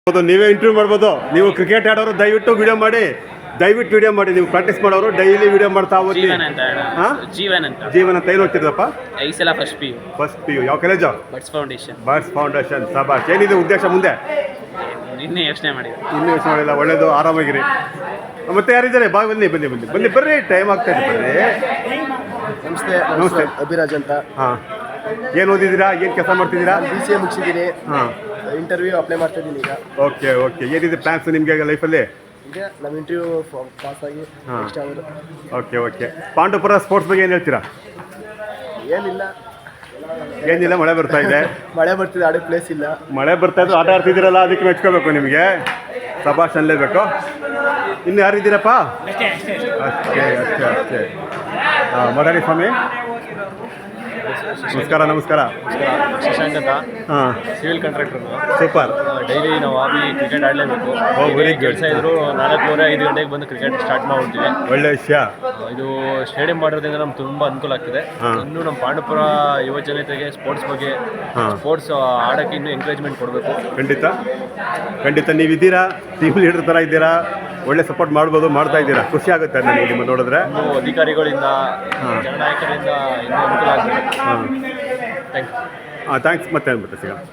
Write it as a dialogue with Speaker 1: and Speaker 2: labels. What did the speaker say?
Speaker 1: ನೀವೇ ಇಂಟರ್ವ್ಯೂ ಮಾಡ್ಬೋದು. ನೀವು ಕ್ರಿಕೆಟ್ ಆಡೋರು ದಯವಿಟ್ಟು ವಿಡಿಯೋ ಮಾಡಿ, ನೀವು ಪ್ರಾಕ್ಟೀಸ್ ಮಾಡೋರು ಡೈಲಿ ವಿಡಿಯೋ ಮಾಡ್ತಾ ಹೋಗಿ. ಜೀವನ ಅಂತ ಏನು ಹೋಗ್ತಿದ್ದಪ್ಪ? ಫಸ್ಟ್ ಪಿ ಯು ಯಾವ ಕಾಲೇಜು? Birds Foundation. ಸಬಾಷ್. ಏನಿದೆ ಉದ್ದೇಶ ಮುಂದೆ?
Speaker 2: ಇನ್ನೂ ಯೋಚನೆ
Speaker 1: ಮಾಡಿಲ್ಲ. ಒಳ್ಳೇದು, ಆರಾಮಾಗಿರಿ. ಮತ್ತೆ ಯಾರಿದ್ದಾರೆ? ಬರ್ರಿ, ಟೈಮ್ ಆಗ್ತಾ ಇದೆ, ಬರ್ರಿ.
Speaker 3: ನಮಸ್ತೆ. ಅಭಿರಾಜ್ ಅಂತ.
Speaker 1: ಹಾಂ, ಏನು ಓದಿದ್ದೀರಾ? ಏನು ಕೆಲಸ ಮಾಡ್ತಿದ್ದೀರಾ?
Speaker 3: BCA ಮುಗಿಸಿದ್ದೀನಿ.
Speaker 1: ಹಾಂ,
Speaker 3: ಇಂಟರ್ವ್ಯೂ ಅಪ್ಲೈ ಮಾಡ್ತಾ ಇದ್ದೀನಿ ಈಗ.
Speaker 1: ಓಕೆ. ಏನಿದೆ ಪ್ಲಾನ್ಸ್ ನಿಮಗೆ ಲೈಫಲ್ಲಿ?
Speaker 3: ಈಗ ನಮ್ಮ ಇಂಟರ್ವ್ಯೂ ಪಾಸ್ ಆಗಿ ನೆಕ್ಸ್ಟ್ ಆಗೋದು.
Speaker 1: ಓಕೆ. ಪಾಂಡವಪುರ ಸ್ಪೋರ್ಟ್ಸ್ ಬಗ್ಗೆ ಏನು ಹೇಳ್ತೀರಾ? ಏನಿಲ್ಲ, ಮಳೆ ಬರ್ತಾ ಇದೆ.
Speaker 3: ಮಳೆ ಬರ್ತಿದೆ, ಆಡೋ ಪ್ಲೇಸ್ ಇಲ್ಲ.
Speaker 1: ಮಳೆ ಬರ್ತಾ ಇದ್ದು ಆಟ ಆಡ್ತಿದ್ದೀರಲ್ಲ, ಅದಕ್ಕೆ ಮೆಚ್ಕೋಬೇಕು ನಿಮಗೆ. ಸಭಾಷ್ ಅನ್ಲೇಬೇಕು. ಇನ್ನು ಯಾರಿದ್ದೀರಪ್ಪ? ಅಷ್ಟೇ. ಹಾಂ, ಮಾತಾಡಿ ಸ್ವಾಮಿ. ನಮಸ್ಕಾರ.
Speaker 2: ಶಶಾಂಕ್ ಅಂತ.
Speaker 1: ಹಾಂ,
Speaker 2: ಸಿವಿಲ್ ಕಾಂಟ್ರಾಕ್ಟರ್.
Speaker 1: ಸೂಪರ್.
Speaker 2: ಡೈಲಿ ನಾವು ಕ್ರಿಕೆಟ್ ಆಡಲೇಬೇಕು. ಕೆಲಸ ಇದ್ರು 4:30-5 ಗಂಟೆಗೆ ಬಂದು ಕ್ರಿಕೆಟ್ ಸ್ಟಾರ್ಟ್ ಮಾಡ್ಬಿಡ್ತೀವಿ.
Speaker 1: ಒಳ್ಳೆ ವಿಷಯ.
Speaker 2: ಇದು ಸ್ಟೇಡಿಯಂ ಮಾಡೋದ್ರಿಂದ ನಮ್ಗೆ ತುಂಬ ಅನುಕೂಲ ಆಗ್ತಿದೆ. ಇನ್ನು ನಮ್ಮ ಪಾಂಡವಪುರ ಯುವ ಜನತೆಗೆ ಸ್ಪೋರ್ಟ್ಸ್ ಬಗ್ಗೆ, ಸ್ಪೋರ್ಟ್ಸ್ ಆಡೋಕ್ಕೆ ಇನ್ನೂ ಎಂಕರೇಜ್ಮೆಂಟ್ ಕೊಡಬೇಕು.
Speaker 1: ಖಂಡಿತ ನೀವಿದ್ದೀರಾ, ಟೀಮ್ ಲೀಡರ್ ಥರ ಇದ್ದೀರಾ, ಒಳ್ಳೆ ಸಪೋರ್ಟ್ ಮಾಡ್ತಾ ಇದ್ದೀರಾ. ಖುಷಿ ಆಗುತ್ತೆ ನನಗೆ ನಿಮ್ಮ ನೋಡಿದ್ರೆ.
Speaker 2: ಇನ್ನು ಅಧಿಕಾರಿಗಳಿಂದ, ಜನನಾಯಕರಿಂದ ಇನ್ನೂ ಅನುಕೂಲ ಆಗ್ತದೆ.
Speaker 1: ಥ್ಯಾಂಕ್ಸ್. ಮತ್ತೆ ಸಿಗೋಣ.